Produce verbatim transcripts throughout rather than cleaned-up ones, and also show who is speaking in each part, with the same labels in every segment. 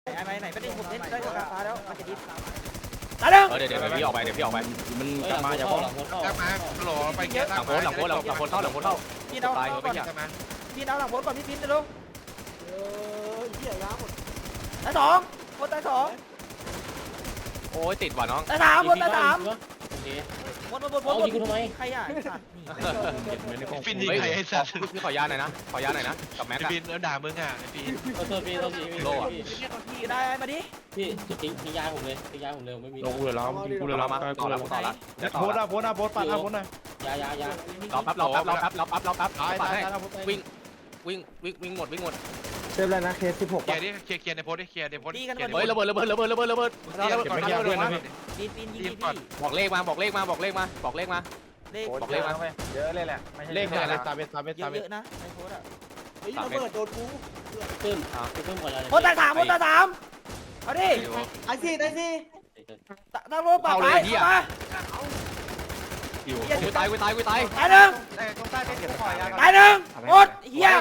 Speaker 1: ไหนไหนไม่ได้ผมเล่นได้กับฟ้าแล้วมันจะดิฟตายแล้ว
Speaker 2: เดี๋ยวเดี๋ยวพี่ออกไปเดี๋ยวพี่ออกไป
Speaker 3: มันกลับมาอย่าพ้อง
Speaker 4: กลับมาหล่อไปเกียร์
Speaker 2: หลังโพสหลังโพสหลังหลังโพสเข้าหลังโพสเข้า
Speaker 1: พี่เอา
Speaker 2: ตาย
Speaker 1: ก่
Speaker 2: ไม่
Speaker 1: อน
Speaker 2: อยาก
Speaker 1: พี่เอาหลังโพสก่อนพี่พินเร็วเออเหี้ยยาหมดตายสองโพสตายสอง
Speaker 2: โอ้ยติดว่ะน้อง
Speaker 1: ตายสามโพสตายสาม
Speaker 3: โอเค
Speaker 1: โพสโพสโพสโพสใครอ่ะสัตว์นี่
Speaker 4: ฟินยิงใครไอ้สัตว์
Speaker 2: พี่ขอยาหน่อยนะขอยาหน่อยนะกับแม็ก
Speaker 4: ไอ้ฟินแล้วด่ามึงอ่ะไอ้ฟิน
Speaker 3: โทษพี่โทษพี่
Speaker 1: พี่ได้มาดิ
Speaker 3: พี่จะทิ้งทิ้งยาผมเลยทิ้งยาผมเลยไม่มี
Speaker 5: ลงกูเลยล้อมกูเลยล้อม
Speaker 2: มาต่อแล้วต่อแล้ว
Speaker 5: โพสอ่ะโพสอ่ะโพสปัดอ่ะโพสหน่อย
Speaker 3: ยายายาร
Speaker 2: อแป๊บรอแป๊บรอแป๊บรอแป๊บรอแป๊บ
Speaker 5: ตาย
Speaker 2: ปัด
Speaker 5: ตาย
Speaker 2: ให้
Speaker 5: ตายโพส
Speaker 2: วิ่งวิ่งวิ่งวิ่งหมดวิ่งหมด
Speaker 6: เซฟแล้วนะเคสสิบหก
Speaker 4: เคลียร์ดิเคลียร์เคลียร์ในโพสดิเคลียร์ในโพส
Speaker 2: เฮ้ยระเบิดระเบิดระเบิดระเบิดระเบิด
Speaker 4: เคลียร์ก่อนเคลียร์ก่อน
Speaker 1: ปีนปีนยิงพี่
Speaker 2: บอกเลขมาบอกเลขมาบอกเลขมาบอกเลขมา
Speaker 1: เลข
Speaker 2: บอกเลขมา
Speaker 6: เยอะเลยแหละ
Speaker 5: เลขอะไรตาเบ็ดตาเบ็ด
Speaker 1: เย
Speaker 5: ตาเบ็ด
Speaker 1: อะๆนะในโพสอ่ะ
Speaker 3: เฮ้ยระเบิดโดนกูขึ้นขึ้นก่อนเลย
Speaker 1: โพสตายสามโพสตายสามเอาดิ
Speaker 6: ไอ้สี่ไอ้สี่
Speaker 1: ตั้งโลปาไปมา
Speaker 2: อยู่กูตายกูตายกูตาย
Speaker 1: ตายหนึ่ง
Speaker 6: แต่ตรงใต้เป็นเก็บคอยยา
Speaker 1: ตายหนึ่งหมดเฮีย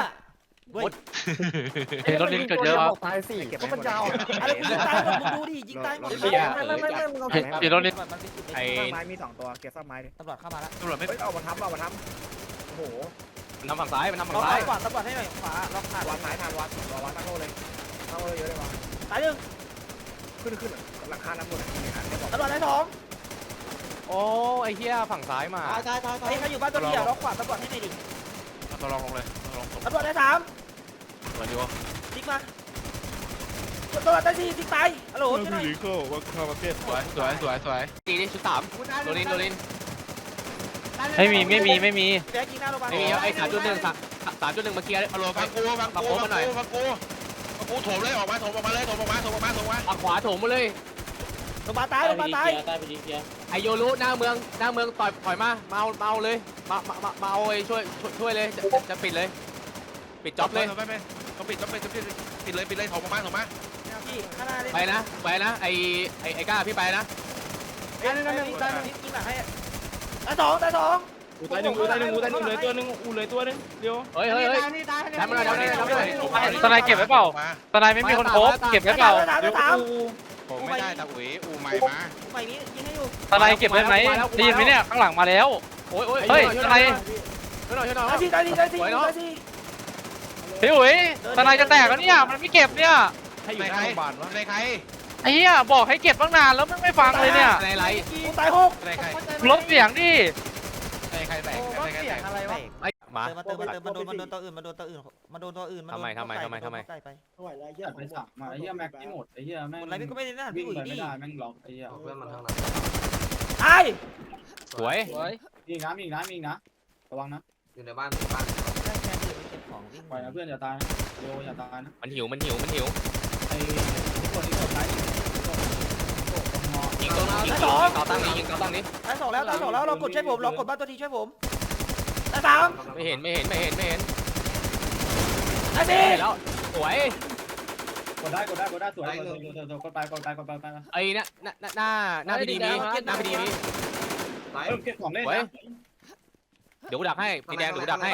Speaker 5: เห็นรถลิ้นเกิดเยอะ
Speaker 6: ตายสี่เก็บมันยาว
Speaker 1: อะไรกูยิงตายหมดมึงดูดิยิงตายหมด
Speaker 6: ไม่ไม่ไม่ไม่มึงเอาแขน
Speaker 5: เห็นรถลิ้น
Speaker 2: ไอ้
Speaker 6: ไม้มีสองตัวเก็บซ่อมไม้ดิ
Speaker 1: ตำรวจเข้ามาแล้ว
Speaker 4: ตำรวจไม่
Speaker 6: เฮ้ยเอามาทับเอามาทับโอ้โห
Speaker 2: มันทำฝั่งซ้ายมันทำฝั่
Speaker 1: ล็
Speaker 2: ง
Speaker 1: อก
Speaker 2: ซ้าย
Speaker 1: ขวาตำรวจให้หน่อยขวาล็อกขาด
Speaker 6: วัดไม้ทานวัดรอวัดตั้งโลเลยตั้งโลเยอะเลยว่ะ
Speaker 1: ตายหนึ่ง
Speaker 6: ขึ้นขึ้นหลังคาน้ำหมดเลย
Speaker 1: ตำรวจได้สอง
Speaker 2: โอ้ไอ้เหี้ยฝั่งซ้ายมา
Speaker 1: ตายตายตายไอ้ใครอยู่บ้านตัวเดียวล็อกขวาตำรวจให้หน่อยดิ
Speaker 4: ตัวลองลงเลยลง
Speaker 1: ตำรวจได้สาม
Speaker 4: ตัวดีวะ
Speaker 1: ติ๊กมาตำรวจได้สี่ติ๊กตายฮัลโหลช่วยหน่อย
Speaker 5: ลิโก้ว่าเข้าประเทศ
Speaker 4: สวยสวยสวยสวย
Speaker 2: ตีดิชุดสามโดลินโดลิน
Speaker 5: ไม่มีไม่มีไม่มี
Speaker 1: แบ๊กยิงหน้าโรงพยาบาล
Speaker 2: ไอ้ไอ้สามจุดหนึ่งสามจุดหนึ่งมาเคลียร์
Speaker 4: ฮัลโหลฟังกูฟังกูฟังกูฟังกูฟังกูโถมเลยออกมาโถมออกมาเลยโถมออกมาโถมออกมาโถมออกมา
Speaker 2: ฝั่งขวาโถมมาเลย
Speaker 1: โรงพยาบาลตายโรงพยาบาลตาย
Speaker 3: ตายไปดีเกียร์
Speaker 2: ไอโยรุหน้าเมืองหน้าเมืองต่อยถอยมาเมาเมาเลยมามามาเอาไอ้ช่วยช่วยเลยจะจะปิดเลย ปิดจ็อบเลย
Speaker 4: ไม่ไม่ต้องปิดต้องปิดต้องปิดปิดเลยปิดเลยโถมออกมาโถมมา
Speaker 1: พี่ข้างหน้าเลย
Speaker 2: ไปนะไปนะไอไอไอ้ก้าพี่ไปนะ
Speaker 1: ตายหนึ่งตายหนึ่งตายหนึ่งยิงหลังให้ตายสองตายสอง
Speaker 5: อูตายหนึ่งอูตายหนึ่งอูตายหนึ่งเลยตัวหนึ่งอูเลยตัวหนึ่งเดียว
Speaker 2: เฮ้ยเฮ้ยเฮ้ยทำอะไรทำอะไรทำอะไร
Speaker 5: ตอนไหนเก็บไว้เปล่าตอนไหนไม่มีคนโคบเก็บไว้เปล่า
Speaker 1: ตายสาม
Speaker 4: ผมไม่ได้ตะอุ๋ยอูใหม่มา
Speaker 1: ใหม่นี้ยิงให้อยู่
Speaker 5: ตอนไหนเก็บไว้ไหมได้ยินไหมเนี่ยข้างหลังมาแล้ว
Speaker 2: โอ้ยโอ้ย
Speaker 5: เฮ้ยตอนไหน
Speaker 2: ช่วยหน่อยช่วยหน่อย
Speaker 1: ตายสี่ตายสี่ตายสี่ตายสี่
Speaker 5: พี่อุ๋ยตอนไหนจะแตกแล้วเนี่ยมันไม่เก็บเนี่ย
Speaker 4: ให้อยู่ในใครในใคร
Speaker 5: ไอ้เหี้ยบอกให้เก็บตั้งนานแล้วมันไม่ฟังเลยเนี่ย
Speaker 2: ในไร
Speaker 1: กูตายหก
Speaker 4: ในใคร
Speaker 5: ลดเสียงดิ
Speaker 4: ในใครแตกในใครแตก
Speaker 1: อะไรวะ
Speaker 2: ไอ้มา
Speaker 1: เติมมาเติมมาเติมมันโดนมันโดนตัวอื่นมันโดนตัวอื่นมันโดนตัวอื่นมัน
Speaker 2: ทำไมทำไมทำไมทำไม
Speaker 1: ไปไป
Speaker 7: ไหวแล้วไอ้เหี้ยไปสับมาไอ้เหี้ยแม็กที่หมดไอ้เหี้ยแม่ง
Speaker 1: หมดอะไรพี่ก็ไม่ได้นะ
Speaker 7: วิ่
Speaker 1: พี่
Speaker 7: ง
Speaker 1: อุ๋ย
Speaker 7: ไป
Speaker 1: ดิ
Speaker 7: ไม่ได้แม่งล็อกไอ้เหี้ย
Speaker 3: เพื่อนมันทางไหน
Speaker 1: ตาย
Speaker 2: สวย
Speaker 7: มีอีกนะมีอีกนะมีอีกนะระวังนะ
Speaker 3: อยู่ในบ้านบ้าน
Speaker 7: ไหวนะเพื่อนอย่าตายเร็วอย่าตายนะ
Speaker 2: มันหิวมันหิวมันหิว
Speaker 7: ไอ้คนที่กดไลค์
Speaker 2: ยิงตัวยิงยิงเกาตั้งนี้ยิงเกาตั้งนี้
Speaker 1: ตายสองแล้วตายสองแล้วเรากดช่วยผมเรากดบ้านตัวทีช่วยผมตายสาม
Speaker 2: ไม่เห็นไม่เห็นไม่เห็นไม่เห็น
Speaker 1: ตายสี่
Speaker 2: แล้วสวย
Speaker 7: กดได้กดได้กดได้สวยกดกดไปกดไปกดไปกดไป
Speaker 2: ไอ้น่ะหน้าหน้าหน้าพี่ดีมีหน้าพี่ดีมี
Speaker 7: เออเก็บของเล่น
Speaker 2: สวย
Speaker 7: นะ
Speaker 2: เดี๋ยวกูดักให้พี่แดงเดี๋ยวกูดักให้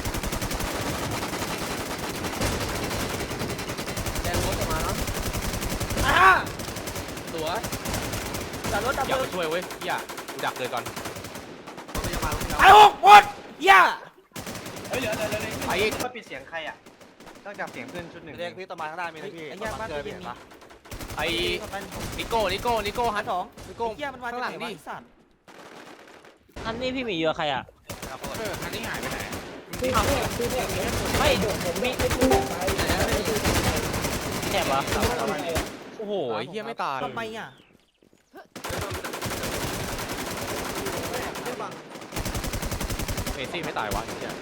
Speaker 3: แดงรถมาแล้ว
Speaker 1: ตายห้า
Speaker 3: ตัว
Speaker 1: จับรถจับ
Speaker 2: อย่า
Speaker 1: มื
Speaker 2: ไป
Speaker 1: อ
Speaker 2: ช่วยเว้ยอย่ากูดักเลยก่อน
Speaker 3: พยาบาล
Speaker 1: ตายหกหมดเหี้ย
Speaker 7: เฮ้ยเหลือเหลือเหลือ
Speaker 2: ไอ้
Speaker 6: ก็ปิดเสียงใครอ่ะต้องจับเสียงเพื่อนชุดหนึ่งเรียกพี่ต้นไม้ข้างหน้ามีนะพี่
Speaker 1: ไอ้เหี้ยบ้านตัวเองมี
Speaker 2: ไอ้นิโก้นิโก้นิโก้ฮั
Speaker 1: หั
Speaker 2: น
Speaker 1: นสอง
Speaker 2: นิโก้
Speaker 1: เหี้ยมันวาง
Speaker 2: ข้างหลังดิ
Speaker 1: สัตว์
Speaker 3: อันนี้พี่มีเยอะใครอ่ะ
Speaker 4: เอออันนี้หายไปไหน
Speaker 3: ไม่มีแคบเหรอ
Speaker 2: โอ้โหไอ้เหี้ยไม่ตาย
Speaker 1: ทำไมอ่ะ
Speaker 2: เมซี่ไม่ตายวะเหี้ย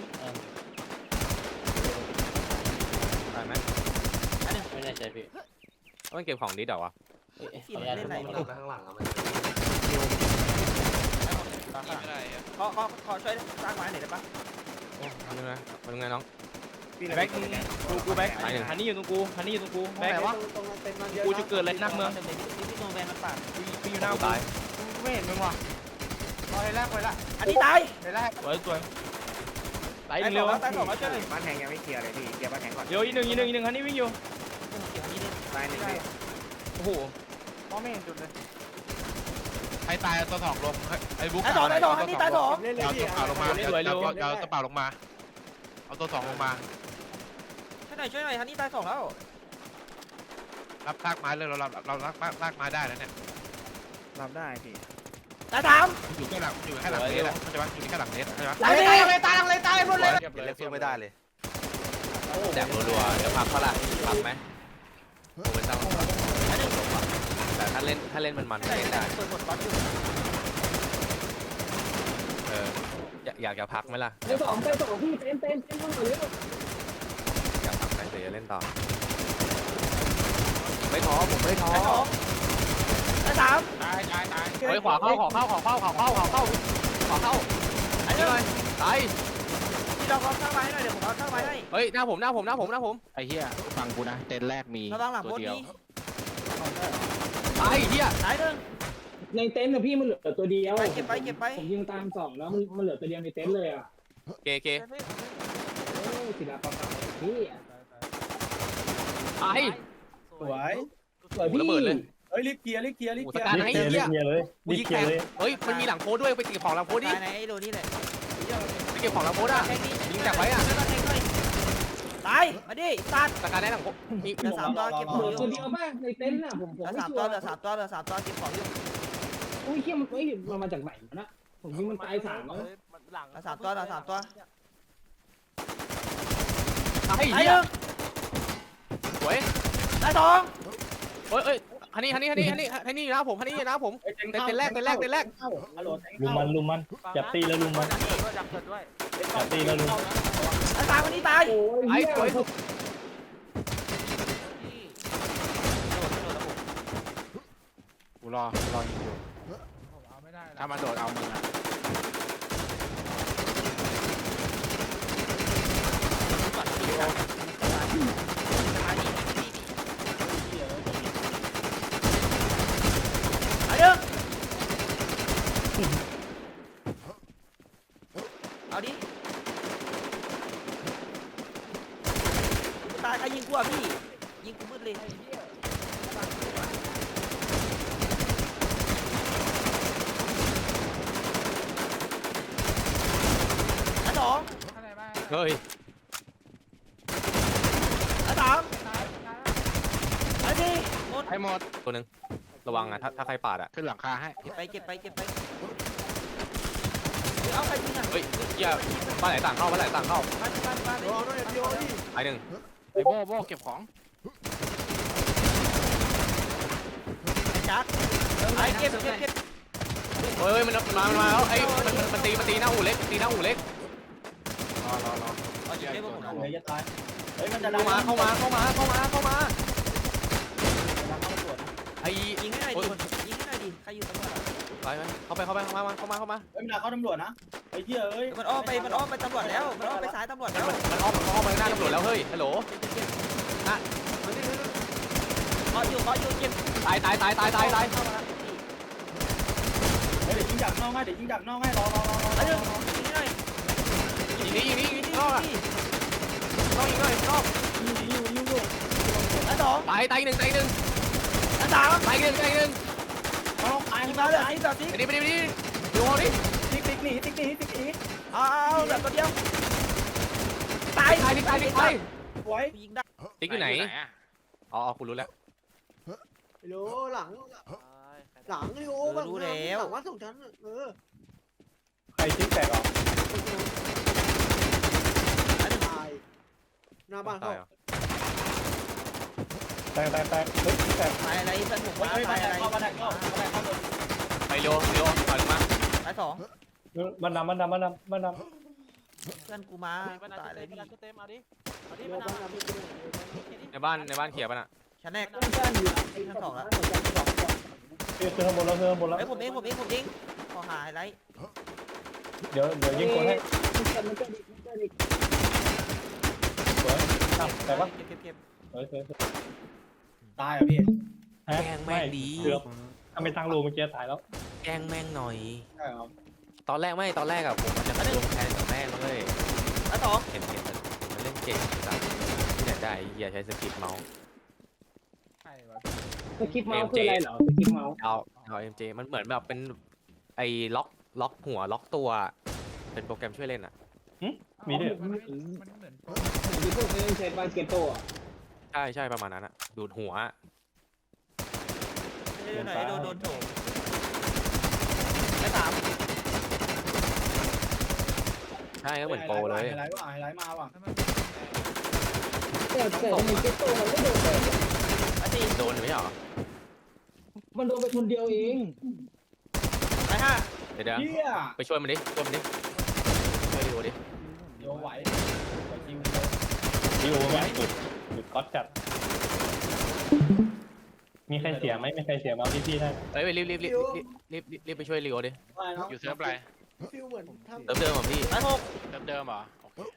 Speaker 2: ตายไหม
Speaker 3: ไม่แน่ใจพี่
Speaker 2: ต้องเก็บของดิสเหรอวะ
Speaker 1: เล่นไหน
Speaker 3: ไปข้างหลังอ่ะมัน
Speaker 4: ไม่ได้
Speaker 1: ขอขอขอช่วยสร้างไม้หน่อยได้ปะ
Speaker 2: โอ้ทำยังไงทำยังไงน้อง
Speaker 5: แบ็คกูกูแบ็คฮันนี่อยู่ตรงกูฮันนี่อยู่ตรงกูแบ็คกูจะเกิดอะไรนักเมือง
Speaker 1: พี่โนแมนมันปาด
Speaker 5: กูอยู่หน้ากู
Speaker 2: ตาย
Speaker 5: ไม่เห็นมึงว่ะ
Speaker 1: รอเลยแรกเลยละอันนี้ตาย
Speaker 5: สวยสวยไหล
Speaker 1: ตายส
Speaker 5: เร็
Speaker 1: อ
Speaker 5: ว
Speaker 1: งแล้วตายสองแล้วช่วยหน่อย
Speaker 6: บ้านแทงยังไม่เคลียร์เลยพี่เก็บบ้านแทงก่อน
Speaker 5: เดี๋ยวอีกหนึ่งอีกหนึ่งอีกหนึ่งฮันนี่วิ่งอยู่
Speaker 1: อันนี้ดิ
Speaker 6: ตายหนึ่งพี่
Speaker 5: โอ้โห
Speaker 1: มองไม่เห็นจุดเลย
Speaker 4: ไอ้ตายเอาตัวสองลงไอ้บุ๊ก
Speaker 1: ตายสองตายสองอันนี้ตายสอง
Speaker 4: เอาตัวเปล่าลงมาเอาตัวเปล่าลงมาเอาตัวสองลงมา
Speaker 1: ช่วยหน่อยช่วยหน่อยฮันนี่ตายสองแล้ว
Speaker 4: รับลากไม้เลยเราเราเราลากลากไม้ได้แล้วเนี่ย
Speaker 6: รับได้พี่
Speaker 1: ตายสาม
Speaker 4: อยู่แค่หลังอยู่แค่หลังเนสอะเข้าใจปะอยู่แค่หลังเนสใช่ปะ
Speaker 1: ตายตายเลยตายเลยตายหมดเลย
Speaker 6: เก็บเล่นสู้ไม่ได้เลย
Speaker 2: แดกรัวๆเดี๋ยวพักเขาละพักไหมโอ้ไม่ต้องแต่ถ้าเล่นถ้าเล่นมันมันก็เล่นได้
Speaker 1: เปิดหมดบอลอยู่
Speaker 2: เอออยากอยากจะพักไหมล่ะ
Speaker 3: ไปสองไปสองพี่เต้นเต้นเต้นเข้ามาเร็ว
Speaker 2: อยากพักไหมเดี๋ยวจะเล่นต่อไม่ท้อผมไม่ท้อ
Speaker 1: ตายสองตายสาม
Speaker 5: ตายตายตาย
Speaker 2: เฮ้ยขวาเข้าขวาเข้าขวาเข้าขวาเข้าขวาเข้าขวาเข้าอันนี้เลยตาย
Speaker 1: พี่ลองเอาข้างไม้หน่อยเดี๋ยวผมเอาข้างไม้ให้
Speaker 2: เฮ้ยหน้าผมหน้าผมหน้าผมหน้าผม
Speaker 5: ไอ้เหี้ยฟังกูนะเต็นแรกมี
Speaker 1: ระวังหลัง
Speaker 5: ตั
Speaker 1: บ
Speaker 5: วน เดียว
Speaker 1: นี้
Speaker 2: ตายเฮีย
Speaker 1: ตายหนึ่ง
Speaker 3: ในเต็นท์นะพี่มันเหลือตัวเดียว
Speaker 1: ไปเก็บไปเก็บไป
Speaker 3: ผมยิงตามสองแล้วมันมันเหลือตัวเดียวในเต็นท์เลยอ่ะ
Speaker 2: เกเก
Speaker 3: โอ้ศิลปะพี่
Speaker 2: ตาย
Speaker 7: สวย
Speaker 3: สวยพี่
Speaker 2: ระเบิดเลย
Speaker 7: เฮ้ยรีบเคลียร์รีบเคลียร์รีบ
Speaker 2: โอ้
Speaker 7: เค
Speaker 2: ส
Speaker 7: ลียร์
Speaker 2: กัดไหนเฮีย
Speaker 7: เลย
Speaker 2: กูยิงแขกเฮ้ยมันมีหลังโพสด้วยไปเก็บของหลังโพสดิ
Speaker 1: ตายในไอ้โดนี่แหละ
Speaker 2: ไปเก็บของหลังโพสอ่ะ
Speaker 1: แทงนี่
Speaker 2: ยิงจากไว้อะ
Speaker 1: ตายมาดิตัด
Speaker 2: สกัดได้หลังโพสมี
Speaker 1: เหลือสามตัวเก็บของอยู่
Speaker 3: ตัวเดียวบ้างในเต็นท์น่ะผมผม
Speaker 1: เหลือ
Speaker 3: ไม่
Speaker 1: สาม
Speaker 3: ชัว
Speaker 1: ตัว
Speaker 3: ร์
Speaker 1: เหลือสามตัวเหลือสามตัวเก็บของอยู่
Speaker 3: อุ้ยเขี้ยมันเฮ้ยมันมาจากไหนวะนะผมยิงมันตายสามแล้ว
Speaker 1: เหลือสามตัวเหลือสามตัว
Speaker 2: ตาย
Speaker 1: ตาย
Speaker 2: เฮี
Speaker 1: ห
Speaker 2: ย
Speaker 1: นึ่ง
Speaker 2: สวย
Speaker 1: ตายสอง
Speaker 2: เฮ้ยเฮ้ยฮันนี่ฮันนี่ฮันนี่ฮันนี่ฮันนี่นะผมฮันนี่นะผมเต็นเต็นแรกเต็นแรกเต็นแรก
Speaker 7: ลุมมันลุมมันจับตีแล้วลุมมันจับตีแล้วลุม
Speaker 1: ตายสามวันนี้ตาย
Speaker 3: โอ้ย
Speaker 2: ไอ้
Speaker 3: เหี้ย
Speaker 2: สวย
Speaker 5: กูรอรอยิงอยู่ถ้ามาโดดเอามึงอะ
Speaker 1: ตายหนึ่งเอาดิตายใครยิงกูอ่ะพี่ยิงกูมืดเลยตายสอง
Speaker 2: เฮ้ย
Speaker 1: ตายสามตายสี่หมด
Speaker 5: ให้หมด
Speaker 2: ตัวหนึ่งระวังอ่ะถ้าถ้าใครปาดอ่ะ
Speaker 5: ขึ้นหลังคาให้
Speaker 1: เก็บไปเก็บไปเก็บไปเอาใครยิงอ่ะ
Speaker 2: เฮ้ยเฮียบ้านไหนต่างเข้าบ้านไหนต่างเข้า
Speaker 1: บ้านบ้านบ้านเลย
Speaker 2: ไอ้หนึ่ง
Speaker 5: ไอ้โบ้โบ้เก็บของ
Speaker 1: จัดไอ้เก็บเก็บเก็บ
Speaker 2: เฮ้ยมันมามันมาแล้วไอ้มันมันตีมันตีหน้าอู่เล็กตีหน้าอู่เล็ก
Speaker 5: รอรอรอ
Speaker 1: เอาจุดเก็บผม
Speaker 7: เลยจะตายเฮ้ยมันจะ
Speaker 2: เข้ามาเข้ามาเข้ามาเข้ามาเข้ามาไอ้
Speaker 1: ยิงให้หน่อยดิยิงให้หน่อยดิใครอยู่ตำรวจอ่ะ
Speaker 2: ไปไปเข้าไปเข้าไปเข้ามาเข้ามาเข้ามา
Speaker 7: เฮ้ยมันเข้าตำรวจนะไอ้เหี้ยเอ้ย
Speaker 1: มันอ้อมไปมันอ้อมไปตำรวจแล้วมันอ้อมไปซ้ายตำรวจแล้ว
Speaker 2: มันอ้อมมันอ้อมไปหน้าตำรวจแล้วเฮ้ยฮัลโหล
Speaker 1: เคาะอยู่เคาะอยู่เก็บ
Speaker 2: ตายตายตายตายตายตาย
Speaker 1: เข้ามาแล้ว
Speaker 7: เฮ้ยเดี๋ยวยิงดักนอกให้เดี๋ยวยิงดักนอกให้รอรอรอรอ
Speaker 1: ไอ้เรื่องยิงให้หน่อย
Speaker 2: ยิงนี้ยิงนี้ยิง
Speaker 1: ยิง
Speaker 2: นอกอ่ะ
Speaker 1: ดิ
Speaker 2: นอกยิงหน่อยนอก
Speaker 7: ยิงยิงยิงยิง
Speaker 1: ไอ้สอง
Speaker 2: ตายตายหนึ่งตายหนึ่ง
Speaker 1: ไอ้สาม
Speaker 2: ตายหนึ่งตายหนึ่ง
Speaker 7: มาลงตาย
Speaker 1: ยิง
Speaker 7: มา
Speaker 1: มา
Speaker 7: เล
Speaker 1: เลย ยติ๊กต่อติ๊ก
Speaker 2: ไปดิไปดิไปดิดูดิ
Speaker 7: ติ๊กติ๊กหนีติ๊กหนีติ๊กหนี
Speaker 1: เอาเอาแบบตัวเดียวตาย
Speaker 2: ตายดิตายดิตาย
Speaker 7: สวย
Speaker 1: ยิงได้
Speaker 2: ติ๊กอยู่ไหน
Speaker 5: อะ
Speaker 2: อ๋อคุณรู้แล้ว
Speaker 8: โลหลังหลังลิโอหลังว่าสองชั้นเออ
Speaker 7: ใครติ๊กแตกอ่ะ
Speaker 8: ตายหน้าบ้านเขา
Speaker 7: แตกแตกแตกเฮ้ยแตก
Speaker 1: ตายอะไรเพื่อนผม
Speaker 7: เฮ้ย
Speaker 1: มา
Speaker 7: เฮ้ย
Speaker 1: ตายอะไร
Speaker 7: เข้ามาแตกเข้ามาแตกเข้าเลย
Speaker 2: ไปเร็วเร็วถอยลงมา
Speaker 1: ตายสอง
Speaker 7: มันนำมันนำมันนำมันน
Speaker 1: เพื่อนกูมาตายอะไรพี่
Speaker 2: ในบ้านในบ้านเขียบป่ะน่ะ
Speaker 1: ชั้นแรก
Speaker 3: ต้องการอยู่ไอ้
Speaker 1: ชั้นสองแล้ว
Speaker 7: ำเฮ้ยขึ้นข้างบนแล้วขึ้นข้างบนแล้ว
Speaker 1: ไอ้ผมเองผมเองผมเองขอหาอะไร
Speaker 7: เดี๋ยวเดี๋ยวยิงคนให้
Speaker 3: มันจะมันจะดิมันจะดิ
Speaker 7: สวยอ่ะแต่ว่า
Speaker 1: เก็บเก็บเก็บ
Speaker 7: สวยสวยตายอ่ะพี่
Speaker 2: แกงแม่งดี
Speaker 7: เกือบถ้าไม่ตั้งรูเมื่อกี้ตายแล้ว
Speaker 2: แกงแม่งหน่อย
Speaker 7: ใช่ครับ
Speaker 2: ตอนแรกไม่ตอนแรกอะผมมันจะมาลงแทนกับแม่งเลย
Speaker 1: ตายสอง
Speaker 2: เห็นเห็นมันเล่นเก่งจังที่ไหนได้เฮียใช้สกิปเมาส์
Speaker 3: สกิปเมาส์คืออะไรเหรอสกิปเมาส์
Speaker 2: เอาเอาเอ็มเจมันเหมือนแบบเป็นไอ้ล็อกล็อกหัวล็อกตัวเป็นโปรแกรมช่วยเล่นอ่ะ
Speaker 7: มีด้วย
Speaker 3: เหมือนที่พวกนี้ใช้บาสเกตโต้อะ
Speaker 2: ใช่ใช่ประมาณนั้นอ่ะดูดหัว
Speaker 1: โดนไหนโดนโดนโถมไอ้สาม
Speaker 2: ใช่ก็เหมือนโปรเลย
Speaker 5: ไฮไลท์ว่ะไฮไลท์มาว่ะ
Speaker 3: แต่แต่ทำไมเกตโต้มันไม่โดนเลย
Speaker 1: ไอ้สี่
Speaker 2: โดนไม่เหรอ
Speaker 3: มันโดนไปคนเดียวเอง
Speaker 1: ไอ้ห้า
Speaker 2: เดี๋ยวเดี๋ยว
Speaker 5: เฮีย
Speaker 2: ไปช่วยมันดิช่วยมันดิช่วยดูดิ
Speaker 5: โยไหวจริง
Speaker 7: ดีโอไหมสุดสุดก๊อตจัดมีใครเสียไหมมีใครเสียเมาส์ที่พี่ได้
Speaker 2: เอ้ยรีบรีบรีบรีบรีบรีบไปช่วยลีโอดิ
Speaker 4: อยู่เซิร์ฟอะไร
Speaker 8: ฟิลเหมือนทำ
Speaker 2: เติมเดิมของพี่
Speaker 1: ไอ้หก
Speaker 4: เซิร์ฟเดิมเหรอ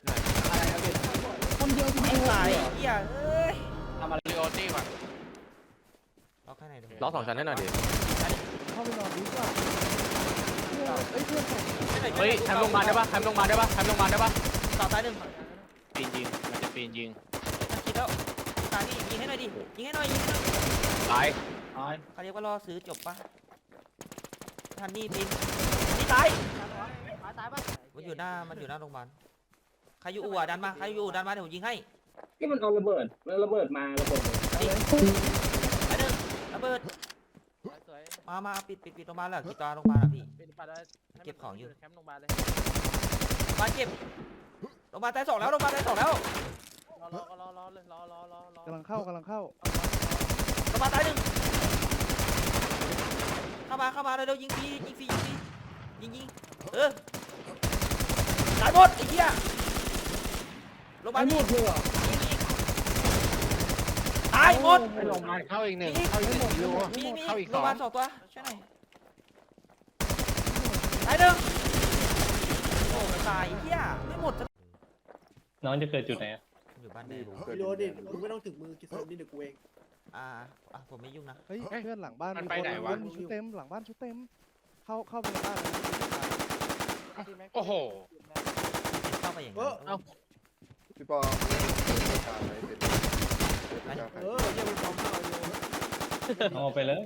Speaker 3: คนเดียวที่
Speaker 1: ไอ้
Speaker 3: ไม่
Speaker 1: สาย
Speaker 3: เหรอ
Speaker 1: เหี้ยเอ้ย
Speaker 4: ลีโอตี้ก่อน
Speaker 1: ล็อกแค่ไหนดู
Speaker 2: ล็อกสองชั้นให้หน่อยดิ
Speaker 8: เข้าไปนอนดีกว่าเฮ้ยเพื่อน
Speaker 2: เฮ้ยทำโรงพยาบาลได้ปะทำโรงพยาบาลได้ปะทำโรงพยาบาลได้ปะ
Speaker 1: ต่อซ้ายหนึ่ง
Speaker 4: ปีนยิงมันจะปีนยิง
Speaker 1: คิดแล้วตานี่ยิงให้หน่อยดิยิงให้หน่อยยิงให้หน่อย
Speaker 2: ตาย
Speaker 5: ตาย
Speaker 1: เขาเรียกว่ารอซื้อจบปะทันนี่ปินนี่ตายมันอยู่หน้ามันอยู่หน้าโรงพยาบาลใครอยู่อู่อะดันมาใครอยู่อู่ดันมาเดี๋ยวผมยิงให้
Speaker 3: ที่มันเอาระเบิดมันระเบิดมาระเบิดเลย
Speaker 1: ดิไอ้หนึ่งระเบิดมามาปิดปิดปิดโรงพยาบาลแล้วกี่ตาโรงพยาบาลอะพี่เก็บของอยู่
Speaker 5: แคมป์โรงพยาบาลเลย
Speaker 1: มาเก็บโรงพยาบาลตายสองแล้วโรงพยาบาลตายสองแล้ว
Speaker 5: รอรอรอรอเลยรอรอรอรอก
Speaker 8: ำลังเข้ากำลังเข้า
Speaker 1: โรงพยาบาลตายหนึ่งเข้ามาเข้ามาเร็วๆยิงฟรียิงฟรียิงฟรียิงยิงเออตายหมดไอ้เหี้ยโรงพยาบาล
Speaker 3: หมดเลยเหรอ
Speaker 1: ยิงยิงตายหมด
Speaker 4: ลงมาเข้าอีกหนึ่งเข้าอีกหนึ่งลีโอ
Speaker 1: มีมี
Speaker 4: เข้าอีก
Speaker 1: โร
Speaker 4: สอง
Speaker 1: พยาบาลสองตัวช่วยหน่อยตายหนึ่งโอ้ตายเหี้ยไม่หมดสัก
Speaker 7: น้องจะเกิดจุดไหนอะ
Speaker 1: อยู่บ้านแม่
Speaker 8: ฟิโลดิมึงไม่ต้องถึงมือกินเซิร์ฟนี่เดี๋ยวกูเอง
Speaker 1: อ่าอ่ะผมไม่ยุ่งนะ
Speaker 9: เฮ้ยเพื่อนหลังบ้าน
Speaker 4: มัน
Speaker 9: มี
Speaker 4: ไป
Speaker 9: คน
Speaker 4: ไหนวะ
Speaker 9: มีชุดเต็มหลังบ้านชุดเต็ม เข้าเข้าไปในบ้านเลย
Speaker 4: โอ้โห
Speaker 1: เข้าไปอย่าง
Speaker 8: เอ
Speaker 1: นั้
Speaker 8: อน
Speaker 6: พี่ปอ
Speaker 8: เออเดี๋ยวมึงทำเอาอยู่
Speaker 7: เอาไปเลย